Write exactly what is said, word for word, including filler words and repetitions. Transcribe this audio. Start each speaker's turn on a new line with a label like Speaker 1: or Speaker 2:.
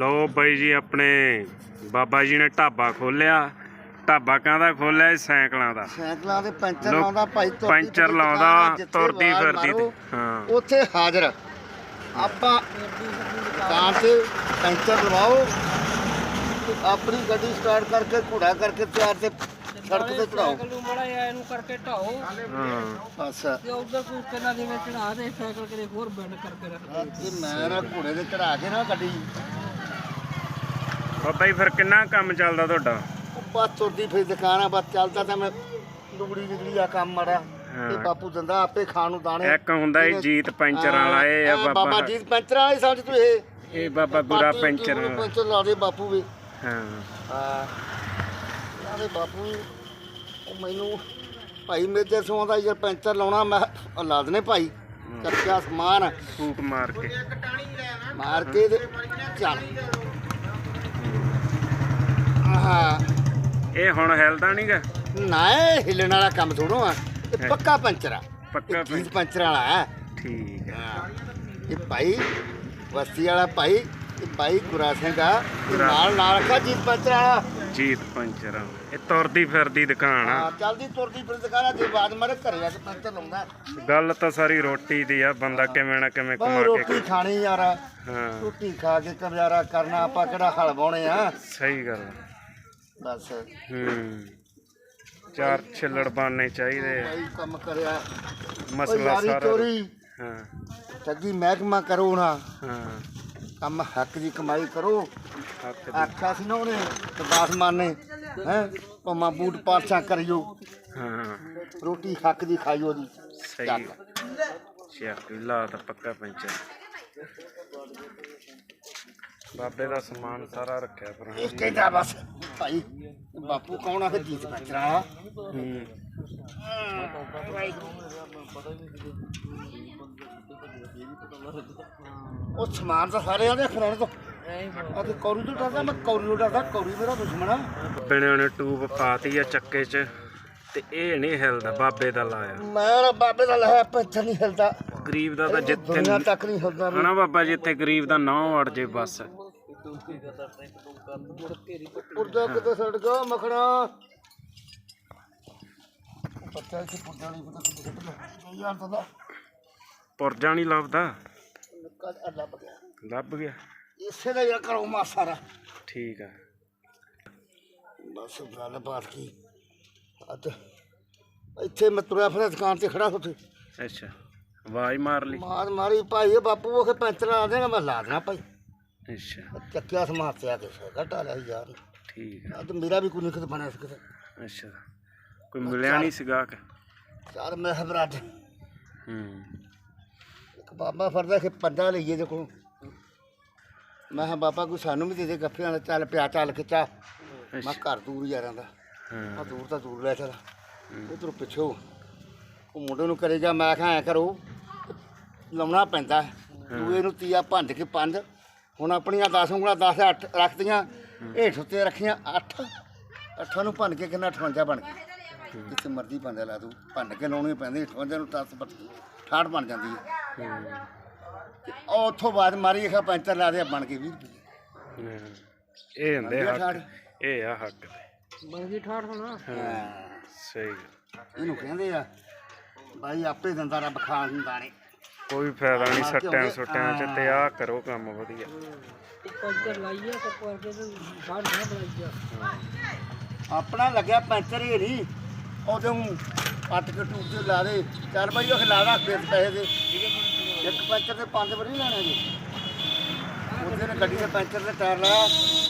Speaker 1: लो बई जी अपने बाबा जी ने ढाबा खोलिया। ढाबा कहदा खोलिया साइकिलों का
Speaker 2: ਸਾਈਕਲਾਂ ਦੇ ਪੈਂਚਰ ਲਾਉਂਦਾ ਭਾਈ ਤੁਰਦੀ
Speaker 1: ਪੈਂਚਰ
Speaker 2: ਫਿਰਦੀ
Speaker 1: ਲਾਉਂਦਾ,
Speaker 2: ਦੁਕਾਨ, ਜਿੱਥੇ
Speaker 1: ਤੁਰਦੀ
Speaker 2: ਆਵਾਜ਼
Speaker 1: ਫਿਰਦੀ
Speaker 2: ਮਾਰੋ,
Speaker 1: ਹਾਂ।
Speaker 2: ਉੱਥੇ ਹਾਜ਼ਰ ਆਪਾਂ ਦੁਕਾਨ ਤੇ ਪੈਂਚਰ ਲਵਾਓ ਤੇ ਆਪਣੀ ਗੱਡੀ ਸਟਾਰਟ ਕਰਕੇ ਘੋੜਾ ਕਰਕੇ ਤਿਆਰ ਤੇ ਸੜਕ ਤੇ ਚੜਾਓ
Speaker 3: ਸਾਈਕਲ ਨੂੰ ਮੜਾ ਇਹਨੂੰ ਕਰਕੇ ਢਾਓ
Speaker 1: ਹਾਂ
Speaker 2: ਬਸ
Speaker 3: ਤੇ ਉਧਰ ਕੋਈ ਕਿੰਨਾ ਦੇ ਵਿੱਚ ਚੜਾ ਦੇ ਸਾਈਕਲ ਕਿਤੇ ਹੋਰ ਬੈਂਡ ਕਰਕੇ ਰੱਖ ਦੇ
Speaker 2: ਤੇ ਮੈਂ ਨਾ ਘੋੜੇ ਤੇ ਚੜਾ ਕੇ ਨਾ ਗੱਡੀ
Speaker 1: ਬਾਬਾ ਜੀ ਫਿਰ ਕਿੰਨਾ ਕੰਮ ਚੱਲਦਾ ਤੁਹਾਡਾ?
Speaker 2: ਉਹ ਬਸ ਤੁਰਦੀ ਫਿਰ ਦੁਕਾਨ ਆ ਬਸ ਚੱਲਦਾ ਤਾਂ ਮੈਂ ਡੁਗੜੀ ਡੁਗੜੀ ਆ ਕੰਮ ਮਾੜਾ ਤੇ ਬਾਪੂ ਦਿੰਦਾ ਆਪੇ ਖਾਣ ਨੂੰ ਦਾਣੇ।
Speaker 1: ਇੱਕ ਹੁੰਦਾ ਇਹ ਜੀਤ ਪੈਂਚਰ ਵਾਲਾ, ਇਹ ਆ
Speaker 2: ਬਾਬਾ
Speaker 1: ਬਾਬਾ
Speaker 2: ਜੀਤ ਪੈਂਚਰ ਵਾਲਾ ਹੀ ਸਮਝ ਤੂੰ ਇਹ
Speaker 1: ਇਹ ਬਾਬਾ ਗੁਰਾ ਪੈਂਚਰ ਵਾਲਾ।
Speaker 2: ਪੈਂਚਰ ਲਾ ਦੇ ਬਾਪੂ ਵੀ
Speaker 1: ਹਾਂ
Speaker 2: ਹਾਂ ਆਦੇ ਬਾਪੂ ਉਹ ਮੈਨੂੰ ਭਾਈ ਮੇਜਰ ਸੋਂ ਦਾ ਯਾਰ ਪੈਂਚਰ ਲਾਉਣਾ ਮੈਂ ਕਿਹਾ ਲਾ ਦਨੇ ਭਾਈ ਕੱਚਾ ਸਮਾਨ
Speaker 1: ਫੂਕ ਮਾਰ ਕੇ
Speaker 2: ਮਾਰ ਕੇ ਤੇ ਚੱਲ ਹਾਂ
Speaker 1: ਇਹ ਹੁਣ ਹਿਲਦਾ ਨਹੀਂਗਾ।
Speaker 2: ਨਾ ਇਹ ਹਿੱਲਣ ਵਾਲਾ ਕੰਮ ਥੋੜੋ ਆ ਇਹ ਪੱਕਾ ਪੈਂਚਰ ਆ
Speaker 1: ਪੱਕਾ
Speaker 2: ਇਹ ਚੀਜ਼ ਪੈਂਚਰ ਵਾਲਾ ਹੈ
Speaker 1: ਠੀਕ ਹੈ।
Speaker 2: ਹਾਂ ਇਹ ਭਾਈ ਵਸਤੀ ਵਾਲਾ ਭਾਈ ਇਹ ਭਾਈ ਗੁਰਾ ਸਿੰਘ ਆ ਇਹ ਨਾਲ ਨਾਲ ਰੱਖਾ ਜੀਤ ਪੈਂਚਰ ਵਾਲਾ
Speaker 1: ਜੀਤ ਪੈਂਚਰ ਇਹ ਤੁਰਦੀ ਫਿਰਦੀ ਦੁਕਾਨ ਆ।
Speaker 2: ਹਾਂ ਚੱਲਦੀ ਤੁਰਦੀ ਫਿਰ ਦੁਕਾਨਾਂ ਦੇ ਬਾਅਦ ਮਾਰੇ ਘਰੇ ਆ ਕੇ ਪੈਂਚਰ ਲਾਉਂਦਾ।
Speaker 1: ਗੱਲ ਤਾਂ ਸਾਰੀ ਰੋਟੀ ਦੀ ਆ, ਬੰਦਾ ਕਿਵੇਂ ਨਾ ਕਿਵੇਂ
Speaker 2: ਬਸ
Speaker 1: ਕਮਾ ਕੇ
Speaker 2: ਰੋਟੀ ਖਾਣੀ ਯਾਰ
Speaker 1: ਹਾਂ
Speaker 2: ਰੋਟੀ ਖਾ ਕੇ ਗੁਜ਼ਾਰਾ ਕਰਨਾ ਆਪਾਂ ਕਿਹੜਾ ਹਲ ਵਾਉਣੇ ਆ
Speaker 1: ਸਹੀ ਗੱਲ ਆ।
Speaker 2: ਬਸ
Speaker 1: ਹੂੰ ਚਾਰ ਛਿੱਲੜ ਬਣਨੇ ਚਾਹੀਦੇ ਆ।
Speaker 2: ਭਾਈ ਕੰਮ ਕਰਿਆ ਉਹ
Speaker 1: ਮਸਲਾ
Speaker 2: ਯਾਰੀ
Speaker 1: ਸਾਰਾ
Speaker 2: ਚੋਰੀ
Speaker 1: ਹਾਂ
Speaker 2: ਠੱਗੀ ਮਹਿਕਮਾ ਕਰੋ ਨਾ
Speaker 1: ਹਾਂ
Speaker 2: ਕੰਮ ਹੱਕ ਦੀ ਕਮਾਈ ਕਰੋ।
Speaker 1: ਹੱਕ ਦੀ।
Speaker 2: ਆਖਿਆ ਸੀ ਨਾ ਉਹਨੇ ਕਬਾਸ ਮਾਰਨੇ ਹੈ ਭਾਵੇਂ ਬੂਟ ਪਾਛਾ ਕਰਿਓ
Speaker 1: ਹਾਂ
Speaker 2: ਰੋਟੀ ਹੱਕ ਦੀ ਖਾਈਓ ਦੀ
Speaker 1: ਸਹੀ ਸ਼ੇਖ ਲਾ ਤਾਂ ਪੱਕਾ ਪੈਂਚਰ। ਬਾਬੇ ਦਾ ਸਮਾਨ ਸਾਰਾ ਰੱਖਿਆ ਪਰ
Speaker 2: ਇਹ ਕਹਿੰਦਾ ਬਸ ਭਾਈ ਬਾਪੂ ਕੌਣ ਆ ਫਿਰ ਜੀਤ ਬੱਚਰਾ
Speaker 1: ਹੂੰ
Speaker 2: ਉਹ ਸਮਾਨ ਤਾਂ ਸਾਰੇ ਆਦੇ ਖਰਾਣੇ ਤੋਂ ਅਤੇ ਕੌਰੀ ਤੋਂ ਡਰਦਾ ਮੈਂ ਕੌਰੀ ਤੋਂ ਡਰਦਾ ਕੌਰੀ ਮੇਰਾ ਦੁਸ਼ਮਣ ਆ।
Speaker 1: ਬਿਨੇ ਉਹਨੇ ਟੂਬ ਪਾਤੀ ਆ ਚੱਕੇ 'ਚ ਤੇ ਇਹ ਨਹੀਂ ਹਿਲਦਾ, ਬਾਬੇ ਦਾ ਲਾਇਆ।
Speaker 2: ਮੈਂ ਬਾਬੇ ਦਾ ਲਾਇਆ ਪੈਂਚਰ ਨਹੀਂ ਹਿਲਦਾ
Speaker 1: ਗਰੀਬ ਦਾ ਤਾਂ ਜਿੱਥੇ
Speaker 2: ਦੁਨੀਆ ਤੱਕ ਨਹੀਂ ਹਿਲਦਾ
Speaker 1: ਹਨਾ ਬਾਬਾ, ਜਿੱਥੇ ਗਰੀਬ ਦਾ ਨਾਂ ਅੜ ਜੇ ਬਸ।
Speaker 2: ਪੁਰਜਾ ਕਿਤੇ ਛੱਡ ਗਿਆ ਮਖਣਾ ਬੱਚਾ ਇੱਥੇ ਪੁਰਜਾ ਨਹੀਂ ਪਤਾ ਕਿੱਥੇ ਛੱਡ ਗਿਆ ਯਾਰ ਤਾਂ
Speaker 1: ਪੁਰਜਾ ਨਹੀਂ ਲੱਭਦਾ।
Speaker 2: ਕੱਲ ਲੱਭ ਗਿਆ
Speaker 1: ਲੱਭ ਗਿਆ
Speaker 2: ਇਸੇ ਦਾ ਯਾਰ ਕਰੋ ਮਾ ਸਾਰਾ
Speaker 1: ਠੀਕ ਆ।
Speaker 2: ਬਸ ਗੱਲ ਬਾਤ ਕੀ ਅੱਜ ਇੱਥੇ ਮੈਂ ਤੁਰਿਆ ਫਿਰ ਦੁਕਾਨ ਤੇ ਖੜਾ ਉੱਥੇ
Speaker 1: ਅੱਛਾ ਆਵਾਜ਼ ਮਾਰ ਲਈ।
Speaker 2: ਮਾਰ ਮਾਰੀ ਭਾਈ ਬਾਪੂ ਉਹ ਪੈਂਚਰ ਲਾ ਦੇਗਾ ਮੈਂ ਲਾ ਦੇਣਾ ਭਾਈ
Speaker 1: ਅੱਛਾ
Speaker 2: ਚੱਕਿਆ ਸਮਾਨ ਤੇ ਆ ਕੇ ਘਟਾ ਲਿਆ ਯਾਰ
Speaker 1: ਠੀਕ ਆ।
Speaker 2: ਅੱਜ ਮੇਰਾ ਵੀ ਕੋਈ ਨਹੀਂ ਕਿਤੇ ਬਣਿਆ ਸੀ ਕਿਤੇ
Speaker 1: ਅੱਛਾ ਕੋਈ ਮਿਲਿਆ ਨਹੀਂ ਸੀਗਾ ਕਿ
Speaker 2: ਚੱਲ ਮੈਂ ਹਬਰਾਜ
Speaker 1: ਹੂੰ
Speaker 2: ਇੱਕ ਬਾਬਾ ਫਰਦਾ ਕਿ ਪੰਜਾ ਲਈਏ ਜੇ ਕੋਲ ਮੈਂ ਕਿਹਾ ਬਾਬਾ ਕੋਈ ਸਾਨੂੰ ਵੀ ਦੇ ਦੇ ਗੱਫਿਆਂ ਦਾ ਚੱਲ ਪਿਆ ਚੱਲ ਕੇ ਚਾ ਮੈਂ ਘਰ ਦੂਰ ਯਾਰਾਂ ਦਾ
Speaker 1: ਹਾਂ
Speaker 2: ਆ ਦੂਰ ਤਾਂ ਦੂਰ ਲੈ ਚੱਲ ਉਧਰੋਂ ਪਿੱਛੋਂ ਉਹ ਮੁੰਡੇ ਨੂੰ ਕਰੇਗਾ ਮੈਂ ਕਿਹਾ ਐਂ ਕਰੋ ਲਾਉਣਾ ਪੈਂਦਾ ਦੂਏ ਨੂੰ ਤੀਆ ਭੰਜ ਕੇ ਪੰਜ ਹੁਣ ਆਪਣੀਆਂ ਦਸ ਉਂਗਲਾਂ ਦਸ ਅੱਠ ਰੱਖਦੀਆਂ ਹੇਠ ਉੱਤੇ ਰੱਖੀਆਂ ਅੱਠ ਅੱਠਾਂ ਨੂੰ ਭੰਨ ਕੇ ਕਿੰਨਾ ਅਠਵੰਜਾ ਬਣ ਗਿਆ ਜਿੱਥੇ ਮਰਜ਼ੀ ਭੰਜਾ ਲਾ ਦੂ ਭੰਨ ਕੇ ਲਾਉਣੀ ਪੈਂਦੀ ਅਠਵੰਜਾ ਨੂੰ ਦਸ ਅਠਾਹਠ ਬਣ ਜਾਂਦੀ ਹੈ ਉਹ ਉੱਥੋਂ ਬਾਅਦ ਮਾਰੀ ਖਾ ਪੈਂਚਰ ਲਾ ਦੇ ਬਣ ਕੇ ਵੀਹ ਰੁਪਏ
Speaker 1: ਇਹ ਹੁੰਦੇ ਹੱਕ, ਇਹ ਆ ਹੱਕ ਦੇ।
Speaker 3: ਬਣ ਗਈ ਠਾਠ ਹੋਣਾ
Speaker 1: ਸਹੀ
Speaker 2: ਇਹਨੂੰ ਕਹਿੰਦੇ ਆ ਬਾਈ ਆਪੇ ਦਿੰਦਾ ਰੱਬ ਖਾਣ ਨੂੰ ਦਾਣੇ
Speaker 1: ਕੋਈ ਫਾਇਦਾ ਨਹੀਂ ਸੱਟਿਆਂ ਸੁੱਟਿਆਂ 'ਚ ਤੇ ਆਹ ਕਰੋ ਕੰਮ ਵਧੀਆ।
Speaker 3: ਪੈਂਚਰ ਲਾਈਏ ਤੇ ਕਰਕੇ ਤੇ ਬਾਹਰ ਨਾ ਬਣਾਈਆ
Speaker 2: ਆਪਣਾ ਲੱਗਿਆ ਪੈਂਚਰ ਹੀ ਨਹੀਂ ਉਦੋਂ ਪੱਟ ਕੇ ਟੂਬ ਤੇ ਲਾ ਦੇ ਚੱਲ ਬਾਈ ਉਹ ਲਾ ਰੱਖ ਦੇ ਪੈਸੇ ਦੇ ਇੱਕ ਪੈਂਚਰ ਦੇ ਪੰਜ ਵਾਰੀ ਲੈਣੇ ਜੀ ਉਹਦੇ ਨੇ ਗੱਡੀ ਦੇ ਪੈਂਚਰ ਦੇ ਟਾਇਰ ਲਾਇਆ